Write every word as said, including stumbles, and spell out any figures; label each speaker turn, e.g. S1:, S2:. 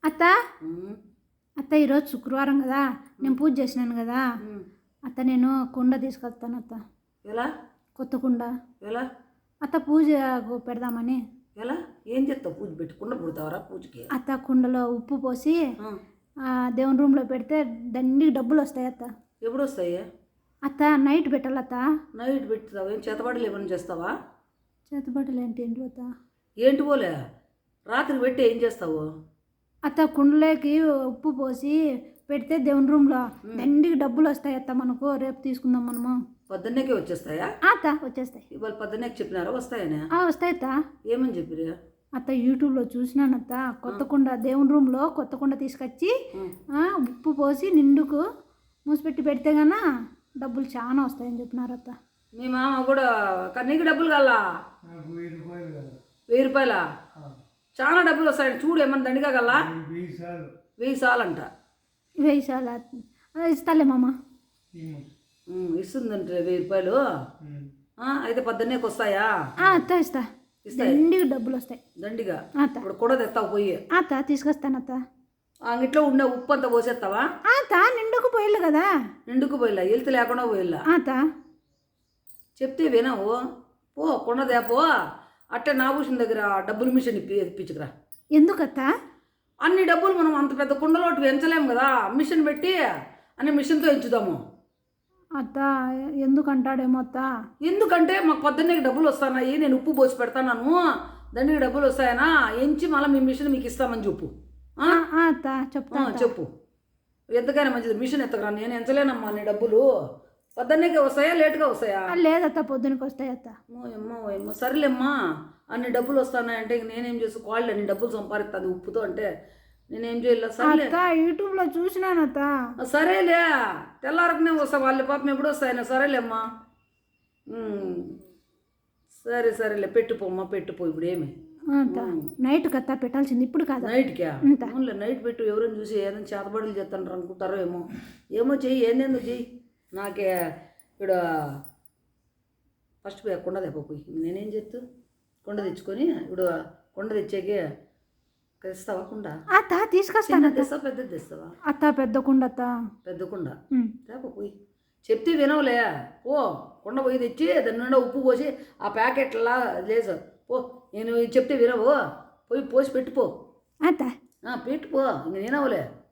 S1: అత్త అత్త ఈరోజు శుక్రవారం కదా, నేను పూజ చేసినాను కదా అత్త. నేను కుండ తీసుకొస్తాను అత్త.
S2: ఎలా?
S1: కొత్త కుండ.
S2: ఎలా?
S1: అత్త పూజ పెడదామని.
S2: ఎలా? ఏం చేస్తావు? పూజ పెట్టి కుండ పుడతావరా పూజకి?
S1: అత్త కుండలో ఉప్పు పోసి దేవుని రూమ్లో పెడితే దండికి డబ్బులు వస్తాయి అత్త.
S2: ఎప్పుడు వస్తాయి
S1: అత్త? నైట్ పెట్టాలత్త.
S2: నైట్ పెడతావు? ఏం చేతబడులు ఏమైనా చేస్తావా?
S1: చేతబడులు ఏంటి ఏంటి అత్త?
S2: ఏంటి పోలే రాత్రి పెట్టి ఏం చేస్తావు
S1: అత్త? కుండలోకి ఉప్పు పోసి పెడితే దేవుని రూమ్లో దండికి డబ్బులు వస్తాయి అత్త. మనకు రేపు తీసుకుందాం మనము.
S2: పొద్దున్నేకే వచ్చేస్తాయా
S1: అత్త? వచ్చేస్తాయి.
S2: ఇవాళ పొద్దున్నేకి చెప్పినారా వస్తాయని?
S1: వస్తాయి అత్త.
S2: ఏమని చెప్పిరా
S1: అత్త? యూట్యూబ్లో చూసినాను అత్త. కొత్త కుండ దేవుని రూమ్లో కొత్త కుండ తీసుకొచ్చి ఉప్పు పోసి నిండుకు మూసిపెట్టి పెడితే గనా డబ్బులు చాలా వస్తాయని చెప్పినారు అత్త.
S2: మీ మామ కూడా నీకు డబ్బులు కావాలా? వెయ్యి రూపాయలా? చాలా డబ్బులు వస్తాయండి. చూడు ఏమన్నా దండిగా కల్లా వెయ్యి సార్లు అంట.
S1: వెయ్యి సార్లు ఇస్తాలే మామ.
S2: ఇస్తుందంటే వెయ్యి రూపాయలు అయితే పొద్దున్నేకి వస్తాయా?
S1: అత్త ఇస్తా. దండిగా డబ్బులు వస్తాయి.
S2: దండిగా
S1: అత్త.
S2: ఇప్పుడు కూడా తెస్తావు పోయి?
S1: అత్త తీసుకొస్తాను అత్త.
S2: అంగిట్లో ఉండే ఉప్పు అంతా పోసేస్తావా?
S1: అత్త నిండుకు పోయిల్లు కదా.
S2: నిండుకు పోయిల్లా? వెళ్తే లేకుండా పోయిల్లా?
S1: అత్త
S2: చెప్తే వినవు. పో కొండదే పో. అట్టే నాభూషణ దగ్గర డబ్బులు మిషన్ ఇప్పి ఇప్పించుకురా.
S1: ఎందుకత్త?
S2: అన్ని డబ్బులు మనం అంత పెద్ద కుండలోటి పెంచలేము కదా. మిషన్ పెట్టి అన్ని మిషన్తో ఎంచుదాము.
S1: అత్త ఎందుకంటాడేమో అత్త.
S2: ఎందుకంటే మాకు పొద్దున్నే డబ్బులు వస్తున్నాయి, నేను ఉప్పు పోసి పెడతాను, దండికి డబ్బులు వస్తాయనా ఎంచి మళ్ళీ మీ మిషన్ మీకు ఇస్తామని చెప్పు.
S1: అత్త చెప్తా.
S2: చెప్పు. ఎంతకైనా మంచిది మిషన్ ఎత్తకరా. నేను ఎంచలేనమ్మా నీ డబ్బులు. పొద్దున్నేకే వస్తాయా లేట్గా వస్తాయా?
S1: లేదత్త పొద్దునకి వస్తాయి అత్త.
S2: ఏమ్మో ఏమో సరేలేమ్మా. అన్ని డబ్బులు వస్తున్నాయంటే ఇంక నేనేం చేసి కాళ్ళు అన్ని డబ్బులు సంపాదిస్తాను ఉప్పుతో అంటే నేనేం చేయలే. సరే
S1: యూట్యూబ్లో చూసినాను అత్త.
S2: సరేలే తెల్లారకునే వస్తా. వాళ్ళ పాపం ఎప్పుడు వస్తాయన్నా. సరేలేమ్మా. సరే సరేలే పెట్టుపోమ్మా పెట్టుపో. ఇప్పుడు ఏమి
S1: నైట్ కత్తా పెట్టాల్సింది, ఇప్పుడు కాదు.
S2: నైట్కా? అవునులే నైట్ పెట్టు. ఎవరైనా చూసి ఏదైనా చేతబడులు చేస్తాను అనుకుంటారో ఏమో. ఏమో చెయ్యి, ఏందేందో చెయ్యి. నాకే ఇక్కడ ఫస్ట్ పోయి కొండ తెప్పపోయి నేనేం చేస్తూ కొండ తెచ్చుకొని ఇప్పుడు కొండ తెచ్చాకే తెస్తావా కుండ?
S1: అత్త తీసుకొస్తాను.
S2: తెస్తావా పెద్దది తెస్తావా?
S1: అత్త పెద్ద కుండ అత్త.
S2: పెద్ద కుండ తేపపోయి చెప్తే వినవులే. ఓ కొండ పోయి తెచ్చి దాని నిండా ఉప్పు పోసి ఆ ప్యాకెట్లా లేదు పో. నేను చెప్తే వినవు. పోయి పోసి పెట్టుపో.
S1: అత్త
S2: పెట్టుపో. ఇంక వినవులే.